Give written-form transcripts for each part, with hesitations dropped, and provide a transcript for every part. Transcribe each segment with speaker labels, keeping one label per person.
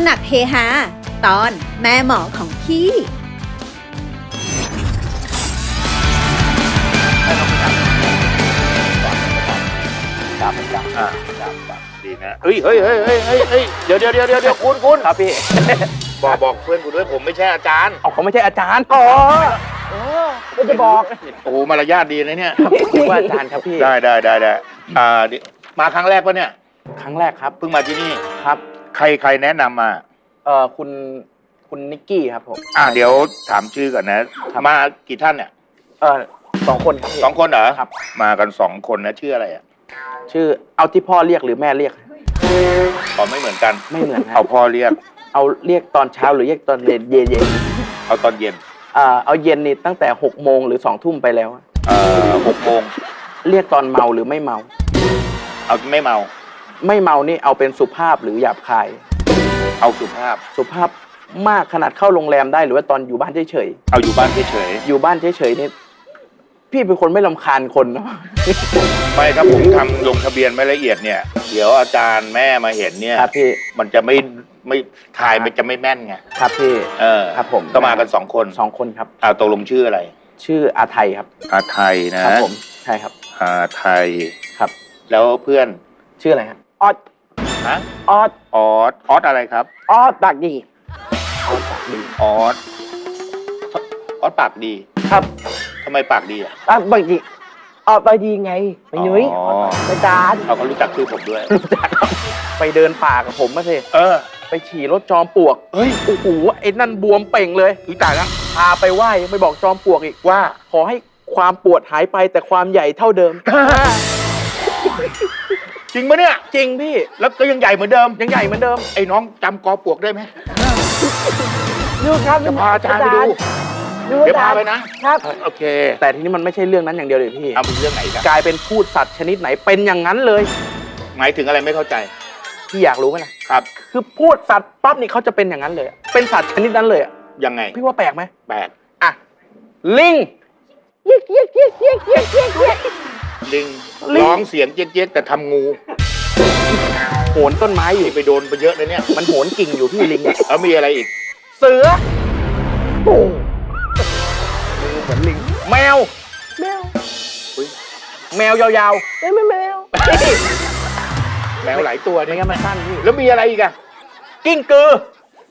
Speaker 1: ำหนักเฮฮาตอนแม่หมอของพี่
Speaker 2: จับดีนะเฮ้ยเดี๋ยวคุณ
Speaker 3: ครับพี่
Speaker 2: บอกเพื่อนคุณด้วยผมไม่ใช่อาจารย์
Speaker 3: เอาเขาไม่ใช่อาจารย์อ๋อไม่จะบอก
Speaker 2: โอ้มารยาทดีนะเนี่ย
Speaker 3: ผมว่าอาจารย์ครับพี่
Speaker 2: ได้มาครั้งแรกปะเนี่ย
Speaker 3: ครั้งแรกครับ
Speaker 2: เพิ่งมาที่นี่
Speaker 3: ครับ
Speaker 2: ใครแนะนำมา
Speaker 3: คุณนิกกี้ครับผม
Speaker 2: เดี๋ยวถามชื่อก่อนนะมากี่ท่านเนี่ย
Speaker 3: 2 คนครับพี่
Speaker 2: 2 คนเหรอ
Speaker 3: ครับ
Speaker 2: มากัน2 คนนะชื่ออะไรอ่ะ
Speaker 3: ชื่อเอาที่พ่อเรียกหรือแม่เรียก
Speaker 2: ไม่เหมือนกัน
Speaker 3: ไม่เหมือนครั
Speaker 2: เอาพ่อเรียก
Speaker 3: เอาเรียกตอนเช้าหรือเรียกตอนเย็น
Speaker 2: เอาตอนเย็น
Speaker 3: เอาเย็นนี่ตั้งแต่6 โมงหรือ2 ทุ่มไปแล้ว
Speaker 2: 6 โมง
Speaker 3: เรียกตอนเมาหรือไม่เมา
Speaker 2: เอาไม่เมา
Speaker 3: ไม่เมานี่เอาเป็นสุภาพหรือหยาบคาย
Speaker 2: เอาสุภาพ
Speaker 3: สุภาพมากขนาดเข้าโรงแรมได้หรือว่าตอนอยู่บ้านเฉย
Speaker 2: เอาอยู่บ้านเฉย
Speaker 3: ๆอยู่บ้านเฉยๆนี่พี่เป็นคนไม่รำคาญคนเนาะ
Speaker 2: ๆไม่ถ้าผมทำลงทะเบียนไม่ละเอียดเนี่ยเดี๋ยวอาจารย์แม่มาเห็นเนี่ย
Speaker 3: ครับพี่
Speaker 2: มันจะไม่ทายมันจะไม่แม่นไง
Speaker 3: ครับพี่ ครับผม
Speaker 2: ก็มากัน2 คน
Speaker 3: 2 คนครับ
Speaker 2: ตกลงชื่ออะไร
Speaker 3: ชื่ออาไทยครับ
Speaker 2: อาไทยนะครับ
Speaker 3: ผมใช่ครับ
Speaker 2: อาไทย
Speaker 3: ครับ
Speaker 2: แล้วเพื่อน
Speaker 3: ชื่ออะไรครับออด
Speaker 2: ฮะ
Speaker 3: ออด
Speaker 2: ออสอะไรครับ
Speaker 3: ออดปากดีออดปากดี
Speaker 2: ออสปากดี
Speaker 3: ครับ
Speaker 2: ทำไมปากดีอ่ะ
Speaker 3: ปากดีออดปากดีไงไปนุ้ย
Speaker 2: อ๋อ
Speaker 3: ไปจาน
Speaker 2: เขาก็รู้จักชื่อผมด้วย
Speaker 3: รู้จักครับไปเดินป่ากับผมมาสิ ไปฉี่รถจอมปลวก
Speaker 2: เฮ้ย
Speaker 3: โอ้โหไอ้นั่นบวมเป่งเลยตายแล้วพาไปไหว้ยังไปบอกจอมปลวกอีกว่า ขอให้ความปวดหายไปแต่ความใหญ่เท่าเดิม
Speaker 2: จริงปะเนี่ย
Speaker 3: จริงพี่
Speaker 2: แล้วก็ยังใหญ่เหมือนเดิม
Speaker 3: ยังใหญ่เหมือนเดิม
Speaker 2: ไอ้น้องจำกอปลวกได้ไหม
Speaker 3: ดูครับ
Speaker 2: จะพาอาจารย์ไปดูเดี๋ยวพาไปนะครับ โอเค
Speaker 3: แต่ทีนี้มันไม่ใช่เรื่องนั้นอย่างเดียวเลยพี่
Speaker 2: เอาเป็นเรื่องไหนกัน
Speaker 3: กลายเป็นพูดสัตว์ชนิดไหนเป็นอย่างนั้นเลย
Speaker 2: หมายถึงอะไรไม่เข้าใจ
Speaker 3: พี่อยากรู้ไหมล่ะ
Speaker 2: ครับ
Speaker 3: คือพูดสัตว์ปั๊บนี่เขาจะเป็นอย่างนั้นเลย เป็นสัตว์ชนิดนั้นเลยอะ
Speaker 2: ยังไง
Speaker 3: พี่ว่าแปลกไหม
Speaker 2: แปลก
Speaker 3: อ่ะลิงเยียกเยียกเยียกเยียกเยียกเยียกเยียก
Speaker 2: ลิง
Speaker 3: ลิง
Speaker 2: ร้องเสียงเจ๊กๆแต่ทำงู
Speaker 3: โหนต้นไม้อยู่
Speaker 2: ไปโดนไปเยอะเลยเนี่ย
Speaker 3: มันโหนกิ่งอยู่พี่ลิง
Speaker 2: แล้วมีอะไรอีก
Speaker 3: เสือโอ้เหมือนลิงแมวแมว
Speaker 2: อุ๊ย
Speaker 3: แมวยาวๆแมว
Speaker 2: แมวหลายตัว
Speaker 3: ไม่
Speaker 2: นี่
Speaker 3: งั้นมันสั้นพี่
Speaker 2: แล้วมีอะไรอีกอะ
Speaker 3: กิ้งกือ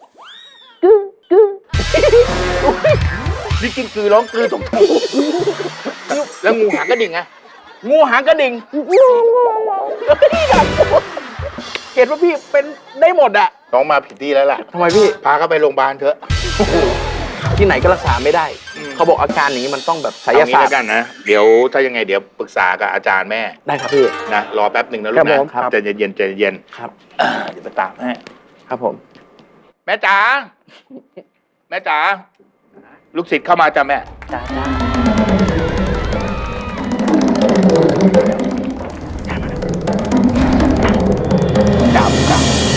Speaker 2: นี่กินกือร้องกือตรงทูแล้วงูหางกระดิ่งอะ
Speaker 3: งูหางกระดิ่งเห็นว่าพี่เป็นได้หมดอะ
Speaker 2: น้องมาผิดที่แล้วล่ะ
Speaker 3: ทำไมพี่
Speaker 2: พาเขาไปโรงพยาบาลเถอะ
Speaker 3: ที่ไหนก็รักษาไม่ได้
Speaker 2: อืม
Speaker 3: เขาบอกอาการอย่างนี้มันต้องแบบไสย
Speaker 2: เอางี้
Speaker 3: ศาสต
Speaker 2: แล้ว
Speaker 3: ร์
Speaker 2: กันนะ เดี๋ยวถ้ายังไงเดี๋ยวปรึกษากับอาจารย์แม่
Speaker 3: ได้ครับพี่
Speaker 2: นะรอแป๊บหนึ่งนะลู
Speaker 3: ครั
Speaker 2: ก
Speaker 3: บ
Speaker 2: นะ
Speaker 3: ผมครับ
Speaker 2: ใจเย็นๆใจเย็น
Speaker 3: ครับ
Speaker 2: เดี๋ยวไปตามให้
Speaker 3: ครับผม
Speaker 2: แม่จ๋าแม่จ๋าลูกศิษย์เข้ามาจ้ะแม่
Speaker 3: จ้าจ้าจ้า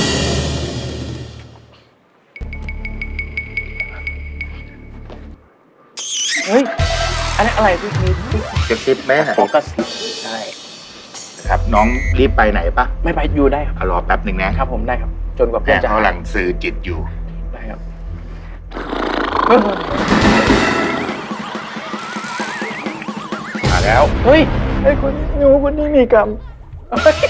Speaker 3: เฮ้ยอันนี้อะไรพี่
Speaker 2: กระซิบแม่
Speaker 3: ขอกระซิบใช่
Speaker 2: ครับ น้องรีบไปไหนปะ
Speaker 3: ไม่ไปอยู่ได้ครับ
Speaker 2: รอแป๊บหนึ่งนะครับ
Speaker 3: ผมได้ครับ จนกว่าเพื่
Speaker 2: แม่
Speaker 3: อนจะ
Speaker 2: เขากำลังสื่อจิตอยู่
Speaker 3: ได้ครับ
Speaker 2: มาแล้ว
Speaker 3: เฮ้ยไอ้คนหนูคนนี้มีกรรมเฮ้ย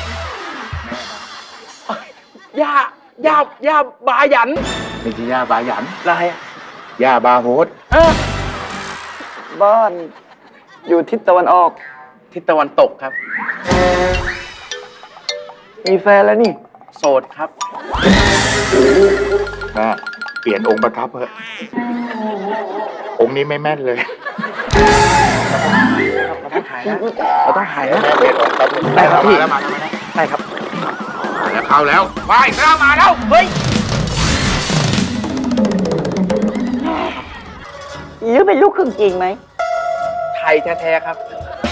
Speaker 3: ย่าบาหยัน
Speaker 2: ไม่ใช่ย่าบาหยัน
Speaker 3: อะไรอ่ะ
Speaker 2: ย่าบาโฮส
Speaker 4: บ้านอยู่ทิศตะวันออก
Speaker 3: ทิศตะวันตกครับ
Speaker 4: มีแฟนแล้วนี่
Speaker 3: โสดครับ
Speaker 2: แม่เปลี่ยนองค์ประทับเถอะองค์นี้ไม่แม่นเลย
Speaker 3: เราต้องหายนะ
Speaker 2: แม่เปลี่ยนองค์ครับ
Speaker 3: ได้ครับพี่
Speaker 2: มาแล้วมา
Speaker 3: ได้ครับ
Speaker 2: แล้วเข้าแล้วไปแล้วมาแล้ว
Speaker 3: เฮ้ย
Speaker 4: ยือเป็นลูกครึ่งจริงไหม
Speaker 3: ไทยแท้ๆครับ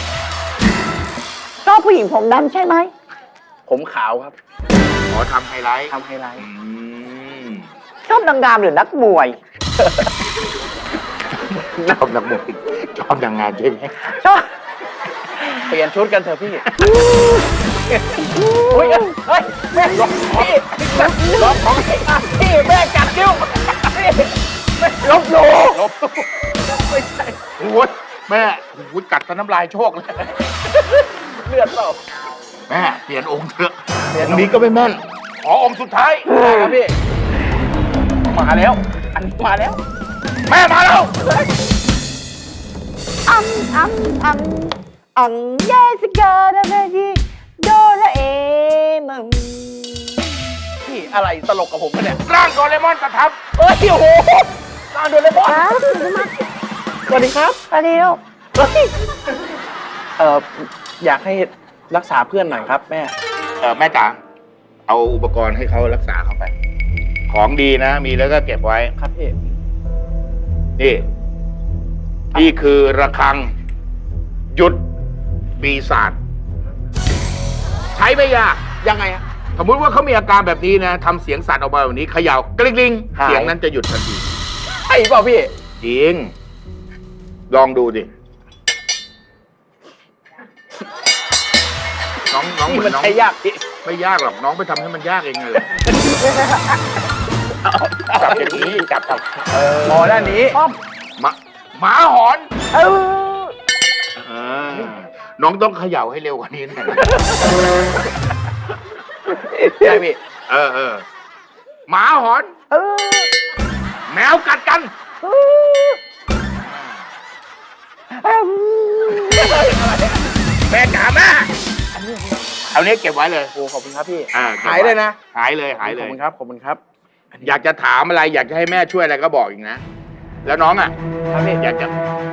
Speaker 4: ชอบผู้หญิงผมดำใช่ไหม
Speaker 3: ผมขาวครับ
Speaker 2: ขอทำไฮไลท์
Speaker 3: ทำไฮไลท์
Speaker 4: ชอบนางงามหรือนักมวย
Speaker 2: ชอบนักมวยชอบนางงามใช่ไหม
Speaker 4: ชอบ
Speaker 3: เปลี่ยนชุดกันเถอะพี่อุ้ยเฮ้ยแม่ล็อกพี่ล็อกของพี่แม่กัดนิ้วพี่แม่ลบหลู่
Speaker 2: ลบไม่ใช่โอ้ยแม่โอ้ยกัดซะน้ำลายโชคเลย
Speaker 3: เลือดเปล่า
Speaker 2: แม่เปลี่ยนองค์เถอะองค์นี้ก็ไม่แม่นขอองค์สุดท้าย
Speaker 3: ครับพี่มาแล้ว อันนี้มาแล้ว
Speaker 2: แม่มาแล้ว
Speaker 4: อังเยสกาดาเดจิโดราเอมอน
Speaker 3: พี่อะไรตลกกับผมปะเนี่ย
Speaker 2: ร่างโดเรมอนประทับ
Speaker 3: เอ้ยโอ้โหลางโดนเลยบอสสวัสดีครับ
Speaker 4: ไปเร็ว
Speaker 3: เฮ้ยอยากให้รักษาเพื่อนหน่อยครับแม่
Speaker 2: แม่จ๋าเอาอุปกรณ์ให้เขารักษาเขาไป ของดีนะ มีแล้วก็เก็บไว้
Speaker 3: ครับพี่
Speaker 2: นี่คือระฆังหยุดปีศาจใช้ไม่ยาก
Speaker 3: ยังไงฮะ
Speaker 2: สมมติว่าเขามีอาการแบบนี้นะทำเสียงสัตว์ออกมาแบบนี้เขย่ากลิ้งลิง
Speaker 3: หาย
Speaker 2: เสียงนั้นจะหยุดทันที
Speaker 3: ใช่เปล่าพี่
Speaker 2: จริง ลองดูดิน้องเหมื
Speaker 3: มั
Speaker 2: อน นน้อง
Speaker 3: ใช้ยากพี่
Speaker 2: ไม่ยากหรอกน้องไปทำให้มันยากเองเลยจับอย่างนี้จับ
Speaker 3: พอด้านนี้
Speaker 2: หมาหอน
Speaker 4: เออ
Speaker 2: น้องต้องเขย่าให้เร็วกว่านี้หน่อย
Speaker 3: ใช่พี่
Speaker 2: หมาหอน
Speaker 4: เออ
Speaker 2: แมวกัดกัน แม่จ๋าแม่เอาเนี้ยเก็บไว้เลย
Speaker 3: โอ้ขอบคุณครับพี่
Speaker 2: ก็บไว้
Speaker 3: หายเลยนะ
Speaker 2: หายเลยหายเล
Speaker 3: ขอย บคุณครับ ขอบคุณครับ
Speaker 2: อยากจะถามอะไรอยากจะให้แม่ช่วยอะไรก็บอกอีกนะ แล้วน้องอ่ะ
Speaker 3: ครับพี่
Speaker 2: อยากจะ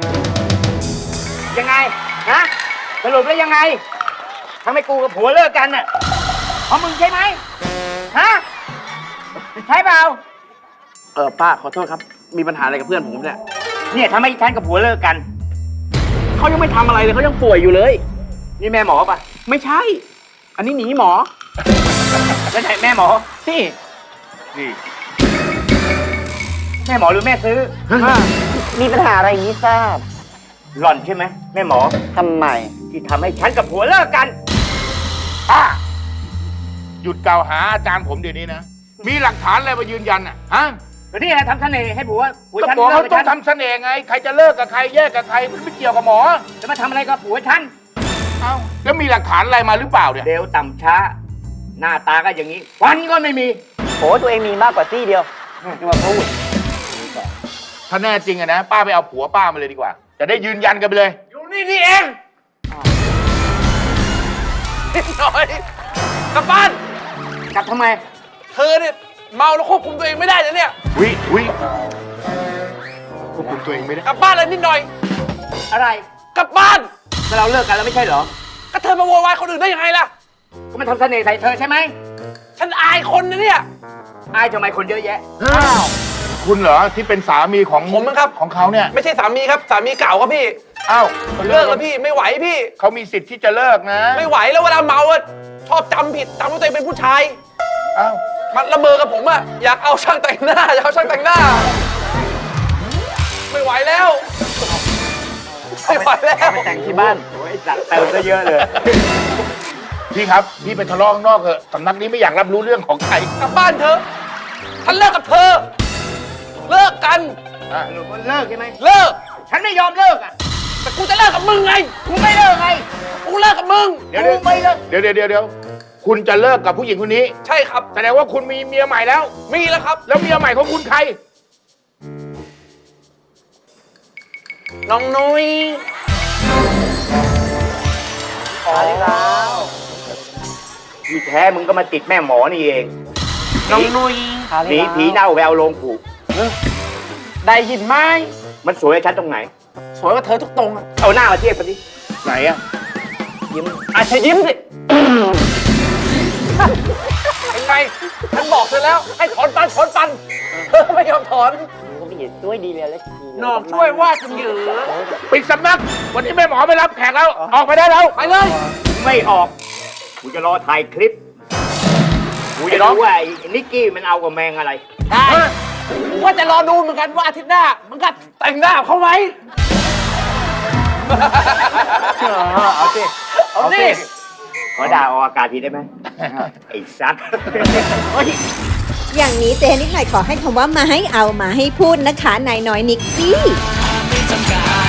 Speaker 4: ยังไงฮะสรุปแล้วยังไงทำให้กูกับผัวเลิกกันน่ะเพราะมึงใช่ไหมฮะใช่เปล่า
Speaker 3: ป้าขอโทษครับ มีปัญหาอะไรกับเพื่อนผมเนี่ย
Speaker 4: เนี่ยทำให้ฉันกับผัวเลิกกัน
Speaker 3: เขายังไม่ทำอะไรเลยเขายังป่วยอยู่เลย
Speaker 4: นี่แม่หมอป่ะ
Speaker 3: ไม่ใช่ อันนี้หนีหมอ
Speaker 4: แล้วไหนแม่หมอ
Speaker 3: นี่
Speaker 2: นี่
Speaker 4: แม่หมอหรือแม่ซื้อ มีปัญหาอะไรนี้ทราบ หล่อนใช่ไหมแม่หมอทำไม ที่ทำให้ฉันกับผัวเลิกกัน
Speaker 2: ป้าหยุดกล่าวหาอาจารย์ผมเดี๋ยวนี้นะ มีหลักฐานอะไรมายืนยันอ่ะฮะ
Speaker 4: ก็นี่แหละทำเสน่ห์ให้ผัว
Speaker 2: ก็
Speaker 4: ฉัน
Speaker 2: บอก
Speaker 4: เลิ
Speaker 2: เขา
Speaker 4: กกับ
Speaker 2: ต้อ
Speaker 4: ฉั
Speaker 2: ง
Speaker 4: น
Speaker 2: ทำเสน่ห์ไง ใครจะเลิกกับใครแยกกับใครมันไม่เกี่ยวกับหมอ
Speaker 4: จะมาทำอะไรกับผัวฉัน
Speaker 2: เอ้าแล้วมีหลักฐานอะไรมาหรือเปล่าเนี่ย
Speaker 4: เร็วต่ำช้า หน้าตาก็อย่างนี้ฟันก็ไม่มีโหตัวเองมีมากกว่าซี่เดียวจะมาพูด
Speaker 2: ถ้าแน่จริงอะนะป้าไปเอาผัวป้ามาเลยดีกว่า จะได้ยืนยันกันไปเลย
Speaker 3: อยู่นี่เองนิดหน่อยกลับบ้าน
Speaker 4: กลับทำไม
Speaker 3: เธอเนี่ยเมาแล้วควบคุมตัวเองไม่ได้เลยเนี่ย
Speaker 2: วิควบคุมตัวเองไม่ได้
Speaker 3: กลับบ้านเลยนิดหน่อย
Speaker 4: อะไร
Speaker 3: กลับบ้าน
Speaker 4: ก็เราเลิกกันแล้วไม่ใช่เหรอ
Speaker 3: ก็เธอมาโวยวายคนอื่นได้ยังไงล่ะ
Speaker 4: ก็มันทำเสน่ห์ใส่เธอใช่ไหม
Speaker 3: ฉันอายคนนะเนี่ย
Speaker 4: อายทำไมคนเยอะแยะ
Speaker 2: คุณเหรอที่เป็นสามีของ
Speaker 3: ผมมั้งครับ
Speaker 2: ของเขาเนี่ย
Speaker 3: ไม่ใช่สามีครับ สามีเก่าครับพี่
Speaker 2: อ้าว
Speaker 3: เลิกแล้วพี่ ไม่ไหวพี่
Speaker 2: เขามีสิทธิ์ที่จะเลิกนะ
Speaker 3: ไม่ไหวแล้วเวลาเมาอะชอบจำผิดจำว่าตัวเองเป็นผู้ชาย
Speaker 2: อ้าว
Speaker 3: มันละเมอกับผมอะอยากเอาช่างแต่งหน้าอยากเอาช่างแต่งหน้า ไม่ไหวแล้ว ไม่ไหวแล้ว
Speaker 4: แต่งที่บ้านโอ้ยสัตว์เติมก็เยอะเลย
Speaker 2: พี่ครับพี่ไปทะเลาะข้างนอกเถอะสำนักนี้ไม่อยากรับรู้เรื่องของใคร
Speaker 3: กลับบ้านเถอะฉันเลิกกับเธอ เลิกกัน
Speaker 2: อ่ะ
Speaker 4: สรุปว่าเลิกใช่ไหม
Speaker 3: เลิก
Speaker 4: ฉันไม่ยอมเลิกอ่ะ
Speaker 3: แต่กูจะเลิกกับมึงไง
Speaker 4: กูไม่เลิกไง
Speaker 3: กูเลิกกับมึง
Speaker 2: เดี๋ยว
Speaker 4: กูไม่เลิก
Speaker 2: เดี๋ยวคุณจะเลิกกับผู้หญิงคนนี้
Speaker 3: ใช่ครับ
Speaker 2: แสดงว่าคุณมีเมียใหม่แล้ว
Speaker 3: มีแล้วครับ
Speaker 2: แล้วเมียใหม่ของคุณใคร
Speaker 3: น้องนุ้ย
Speaker 4: ขอแล้วที่แท้มึงก็มาติดแม่หมอนี่เอง
Speaker 3: น้องนุ้ย
Speaker 4: หนีผีเน่าแววลงผูก
Speaker 3: ได้ยินไหม
Speaker 4: มันสวยกับฉันตรงไหน
Speaker 3: สวยกว่าเธอทุกตรงอะ
Speaker 4: เอาหน้ามาเทียบกันดิ
Speaker 2: ไหนอะ
Speaker 3: ยิ้มอาชยิ้มสิเป็นไงฉันบอกเธอแล้ว ให้ถอนฟันเธอไม่ยอมถอน
Speaker 4: ก็ไม่เห็นช่วยดีเลยแล้ว
Speaker 3: นอกช่วยว่าจังเหยือ
Speaker 2: ปิดสำนัก วันนี้แม่หมอไม่รับแขกแล้ว ออกไปได้แล้ว
Speaker 3: ไปเลย
Speaker 4: ไม่ออก กูจะรอถ่ายคลิป กูจะรู้ว่าไอ้นิกกี้มันเอากับแมงอะไร
Speaker 3: ได้ว่าจะรอดูเหมือนกันว่าอาทิตย์หน้ามันก็แต่งหน้าเขาไหม
Speaker 4: เอาสิ
Speaker 3: เอาสิ
Speaker 4: ขขอด่าออกอากาศทีได้ไหม ไอ้ซัดโอ๊ย
Speaker 1: อย่างนี้เจนิดหน่อยขอให้คำว่ามาให้เอามาให้พูดนะคะนายน้อยนิกกี้
Speaker 5: ไม่จำกัด